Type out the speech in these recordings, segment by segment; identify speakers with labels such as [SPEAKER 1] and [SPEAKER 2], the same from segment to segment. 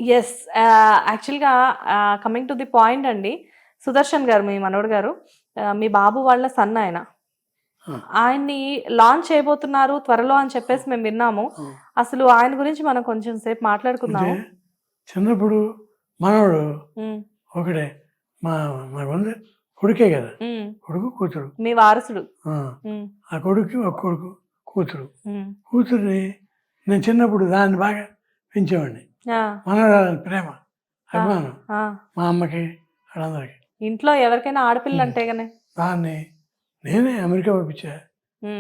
[SPEAKER 1] Yes. యాక్చువల్‌గా coming to the point అండి. సుదర్శన్ గారు మీ మనవడు గారు మీ బాబు వాళ్ళ సన్ ఆయన.
[SPEAKER 2] ఆ,
[SPEAKER 1] ఆయన్ని లాంచ్ చేయబోతున్నారు త్వరలో అని చెప్పేసి మేము విన్నాము.
[SPEAKER 2] ఆ.
[SPEAKER 1] అసలు ఆయన గురించి మనం కొంచెం సేపు
[SPEAKER 2] అంటే
[SPEAKER 1] మాట్లాడుకుందాము.
[SPEAKER 2] చిన్నప్పుడు మనవడు
[SPEAKER 1] హ్మ్.
[SPEAKER 2] ఒకడే మా మా వంద కొడుకే కదా,
[SPEAKER 1] హ్మ్.
[SPEAKER 2] కొడుకు కూతురు.
[SPEAKER 1] మీ వారసుడు.
[SPEAKER 2] ఆ,
[SPEAKER 1] హ్మ్.
[SPEAKER 2] ఆ కొడుకు ఒక కొడుకు కూతురు.
[SPEAKER 1] హ్మ్.
[SPEAKER 2] కూతుర్ని నేను చిన్నప్పుడు దాన్ని బాగా పెంచేవాడిని.
[SPEAKER 1] ఆ!
[SPEAKER 2] మనవరాలని ప్రేమ,
[SPEAKER 1] ఆ!
[SPEAKER 2] అభిమానం
[SPEAKER 1] ఆ!
[SPEAKER 2] మా అమ్మకి వాళ్ళందరికీ.
[SPEAKER 1] ఇంట్లో ఎవరికైనా ఆడపిల్ల అంటే గానే.
[SPEAKER 2] దాన్ని నేనే అమెరికా పంపించా.
[SPEAKER 1] హ్మ్.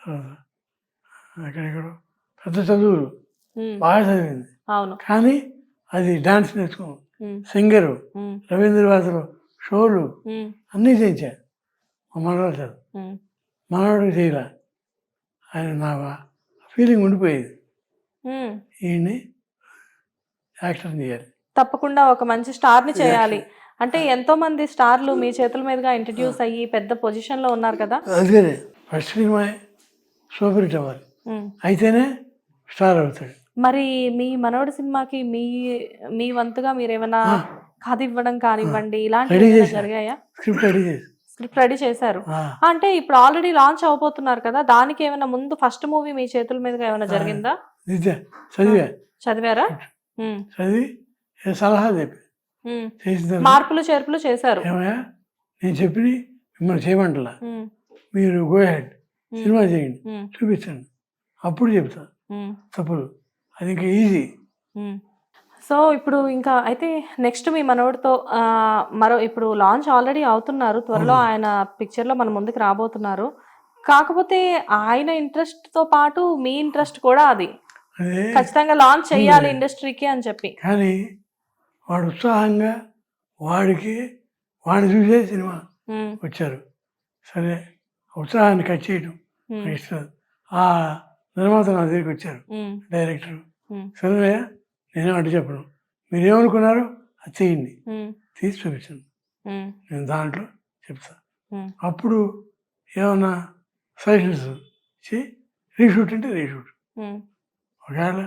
[SPEAKER 2] అక్కడెక్కడో పెద్ద చదువులు
[SPEAKER 1] హ్మ్.
[SPEAKER 2] బాగా చదివింది.
[SPEAKER 1] అవును.
[SPEAKER 2] కానీ అది డాన్స్ నేర్చుకున్నాం,
[SPEAKER 1] హ్మ్.
[SPEAKER 2] సింగరు,
[SPEAKER 1] హ్మ్.
[SPEAKER 2] రవీంద్రవాసులు షోలు
[SPEAKER 1] హ్మ్.
[SPEAKER 2] అన్నీ చేయించా. మా మనవాడు చదువు
[SPEAKER 1] హ్మ్.
[SPEAKER 2] మనవాడికి చేయలే. ఆయన నా ఫీలింగ్ ఉండిపోయేది,
[SPEAKER 1] హ్మ్.
[SPEAKER 2] ఈయన్ని యాక్టర్ చేయాలి.
[SPEAKER 1] తప్పకుండా ఒక మంచి స్టార్‌ని చేయాలి. అంటే ఎంతో మంది స్టార్‌లు మీ చేతుల మీదుగా ఇంట్రొడ్యూస్ అయ్యి పెద్ద పొజిషన్‌లో ఉన్నారు కదా!
[SPEAKER 2] అందుకనే ఫస్ట్ సినిమా సూపర్ హిట్ అవ్వాలి,
[SPEAKER 1] హ్మ్.
[SPEAKER 2] అయితేనే స్టార్ అవుతాడు.
[SPEAKER 1] మరి మీ మనవడి సినిమాకి మీ వంతుగా మీరేమన్నా
[SPEAKER 2] ఆ,
[SPEAKER 1] కథ ఇవ్వడం కానివ్వండి, ఇలాంటివి
[SPEAKER 2] రెడీ
[SPEAKER 1] ఏమైనా
[SPEAKER 2] చేశా,
[SPEAKER 1] జరిగాయా?
[SPEAKER 2] స్క్రిప్ట్ రెడీ చేసి.
[SPEAKER 1] స్క్రిప్ట్ రెడీ చేశారు.
[SPEAKER 2] ఆ,
[SPEAKER 1] అంటే ఇప్పుడు ఆల్రెడీ లాంచ్ అవ్వబోతున్నారు కదా! దానికి ఏమైనా ముందు ఫస్ట్ మూవీ మీ చేతుల మీదుగా ఏమైనా జరిగిందా?
[SPEAKER 2] నిజ చదివా,
[SPEAKER 1] చదివారా? హ్మ్.
[SPEAKER 2] చదివి ఏ సలహాలు చెప్పి
[SPEAKER 1] హ్మ్.
[SPEAKER 2] చేసిన తర్వాత
[SPEAKER 1] మార్పులు చేర్పులు చేశారు.
[SPEAKER 2] ఏమయ్యా నేను చెప్పి మిమ్మల్ని చేయమంటలా,
[SPEAKER 1] హ్మ్.
[SPEAKER 2] మీరు గో హెడ్
[SPEAKER 1] హ్మ్.
[SPEAKER 2] సినిమా చేయండి,
[SPEAKER 1] హ్మ్.
[SPEAKER 2] చూపించండి, అప్పుడు చెప్తా
[SPEAKER 1] హ్మ్.
[SPEAKER 2] తప్పులు. అది ఇంకా ఈజీ.
[SPEAKER 1] హ్మ్. సో, ఇప్పుడు ఇంకా అయితే నెక్స్ట్ మీ మనవడితో ఇప్పుడు లాంచ్ ఆల్రెడీ అవుతున్నారు. త్వరలో ఆయన పిక్చర్‌లో మన ముందుకు రాబోతున్నారు. కాకపోతే ఆయన ఇంట్రెస్ట్‌తో పాటు మీ ఇంట్రెస్ట్ కూడా అది.
[SPEAKER 2] అదే
[SPEAKER 1] ఖచ్చితంగా లాంచ్ చేయాలి ఇండస్ట్రీకి అని చెప్పి.
[SPEAKER 2] కానీ వాడు ఉత్సాహంగా వాడికి వాడిని చూసే సినిమా
[SPEAKER 1] హ్మ్.
[SPEAKER 2] వచ్చారు. సరే ఉత్సాహాన్ని కట్ చేయడం
[SPEAKER 1] హ్మ్.
[SPEAKER 2] నాకు ఇష్టం. ఆ నిర్మాత నా దగ్గరికి వచ్చారు,
[SPEAKER 1] హ్మ్.
[SPEAKER 2] డైరెక్టర్.
[SPEAKER 1] హ్మ్.
[SPEAKER 2] సరేనయ్యా నేనే అడ్డు చెప్పను, మీరు ఏమనుకున్నారో అది చేయండి,
[SPEAKER 1] హ్మ్.
[SPEAKER 2] తీసి చూపించండి,
[SPEAKER 1] హ్మ్.
[SPEAKER 2] నేను దాంట్లో చెప్తా.
[SPEAKER 1] హ్మ్.
[SPEAKER 2] అప్పుడు ఏమన్నా సజెషన్స్ ఇచ్చి రీషూట్ అంటే రీషూట్.
[SPEAKER 1] హ్మ్.
[SPEAKER 2] ఒకవేళ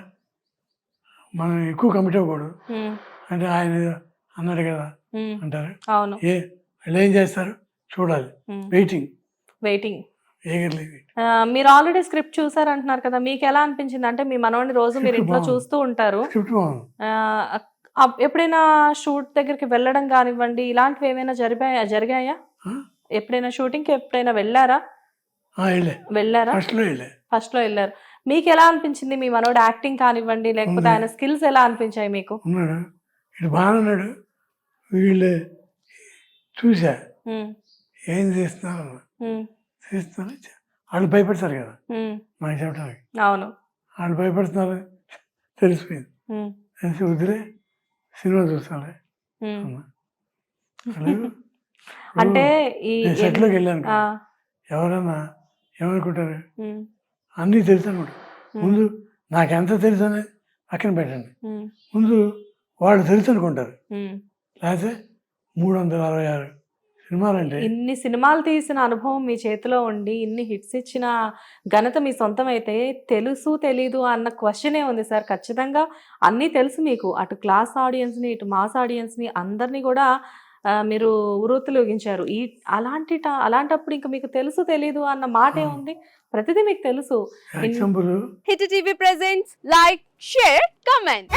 [SPEAKER 2] మనం ఎక్కువ కమిట్ అవ్వకూడదు,
[SPEAKER 1] హ్మ్.
[SPEAKER 2] అంటే ఆయన ఏదో అన్నాడు కదా
[SPEAKER 1] హ్మ్.
[SPEAKER 2] అంటారు.
[SPEAKER 1] అవును.
[SPEAKER 2] వాళ్ళు ఏం చేస్తారు చూడాలి,
[SPEAKER 1] హ్మ్.
[SPEAKER 2] Waiting,
[SPEAKER 1] waiting.
[SPEAKER 2] ఏగర్లీ.
[SPEAKER 1] మీరు ఆల్రెడీ స్క్రిప్ట్ చూసారంటున్నారు కదా! మీకెలా అనిపించింది? అంటే మీ మనవడిని రోజు మీరు
[SPEAKER 2] స్క్రిప్ట్
[SPEAKER 1] ఇంట్లో
[SPEAKER 2] బాగుంది,
[SPEAKER 1] చూస్తూ ఉంటారు.
[SPEAKER 2] స్క్రిప్ట్ బాగుంది.
[SPEAKER 1] ఆహ్, ఎప్పుడైనా షూట్ దగ్గరికి వెళ్ళడం గానివ్వండి, ఇలాంటివి ఏమైనా జరిగాయా?
[SPEAKER 2] ఆ?
[SPEAKER 1] ఎప్పుడైనా షూటింగ్‌కి ఎప్పుడైనా వెళ్లారా?
[SPEAKER 2] వెళ్ళే
[SPEAKER 1] వెళ్లారా?
[SPEAKER 2] ఫస్ట్లో వెళ్ళే
[SPEAKER 1] ఫస్ట్‌లో ఎళ్లారు. మీకెలా అనిపించింది? మీ మనవడి యాక్టింగ్ కానివ్వండి, లేకపోతే
[SPEAKER 2] ఉంది,
[SPEAKER 1] ఆయన స్కిల్స్ ఎలా అనిపించాయి మీకు?
[SPEAKER 2] ఉన్నాడు, ఇటు బాగానే ఉన్నాడు. వీళ్ళు చూసా
[SPEAKER 1] హ్మ్.
[SPEAKER 2] ఏం చేస్తున్నారు,
[SPEAKER 1] హ్మ్.
[SPEAKER 2] చేస్తున్నారు, వాళ్ళు భయపడతారు కదా
[SPEAKER 1] హ్మ్.
[SPEAKER 2] నాకు చెప్పడానికి.
[SPEAKER 1] అవును.
[SPEAKER 2] వాళ్ళు భయపడుతున్నారు తెలిసిపోయింది.
[SPEAKER 1] హ్మ్.
[SPEAKER 2] తెలిసి వదిలే సినిమా చూస్తాను
[SPEAKER 1] హ్మ్.
[SPEAKER 2] అన్నా. వాళ్ళు
[SPEAKER 1] అంటే ఈ
[SPEAKER 2] నేను సెట్లోకి వెళ్ళాను
[SPEAKER 1] ఆ!
[SPEAKER 2] కదా, ఎవరన్నా ఏమనుకుంటారు,
[SPEAKER 1] హ్మ్.
[SPEAKER 2] అన్నీ తెలుసు అనుకుంటారు. ముందు నాకెంత తెలుసు అనేది పక్కన పెట్టండి,
[SPEAKER 1] హ్మ్.
[SPEAKER 2] ముందు వాళ్ళు తెలుసు అనుకుంటారు.
[SPEAKER 1] హ్మ్.
[SPEAKER 2] లేకపోతే 366 సినిమాలంటే
[SPEAKER 1] ఇన్ని సినిమాలు తీసిన అనుభవం మీ చేతిలో ఉండి, ఇన్ని హిట్స్ ఇచ్చిన ఘనత మీ సొంతమైతే, తెలుసు, తెలీదు అన్న క్వెషనే ఉంది సార్. ఖచ్చితంగా అన్నీ తెలుసు మీకు. అటు క్లాస్ ఆడియన్స్‌ని, ఇటు మాస్ ఆడియన్స్‌ని అందరిని గూడా మీరు ఉర్రూతలూగించారు. అలాంటప్పుడు ఇంక మీకు తెలుసు, తెలీదు అన్న మాటేముంది? ప్రతిదీ మీకు తెలుసు.
[SPEAKER 2] Example
[SPEAKER 3] hit TV presents like, share, comment.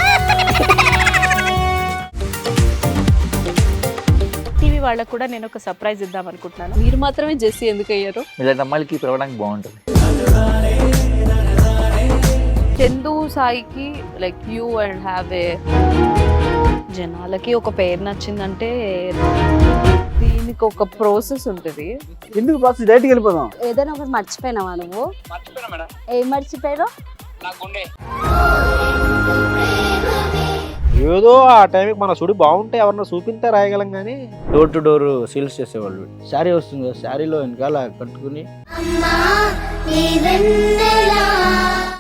[SPEAKER 1] TV వాళ్ళకి కూడా నేను ఒక సర్ప్రైజ్ ఇద్దాం అనుకుంటున్నాను.
[SPEAKER 3] మీరు మాత్రమే జెస్సీ ఎందుకు అయ్యారు?
[SPEAKER 4] ఇలాంటి అమ్మాయిలకి పిలవడానికి బాగుంటుంది.
[SPEAKER 3] చందు సాయికి like you and have a జనాలకి ఒక పేరు నచ్చిందంటే దీనికి ఒక ప్రాసెస్ ఉంటుంది.
[SPEAKER 5] ఎందుకు బాక్స్ డైరెక్ట్కి వెళ్ళిపోదాం.
[SPEAKER 6] ఏదైనా ఒకటి మర్చిపోయినావా నువ్వు? ఏం మర్చిపోయావు?
[SPEAKER 5] ఏదో ఆ టైంకి మన సుడి బాగుంటే ఎవరన్నా చూపిస్తే రాయగలం కానీ డోర్ టు డోర్ సేల్స్ చేసేవాళ్ళు. శారీ వస్తుంది కదా, శారీలో వెనకాల కట్టుకుని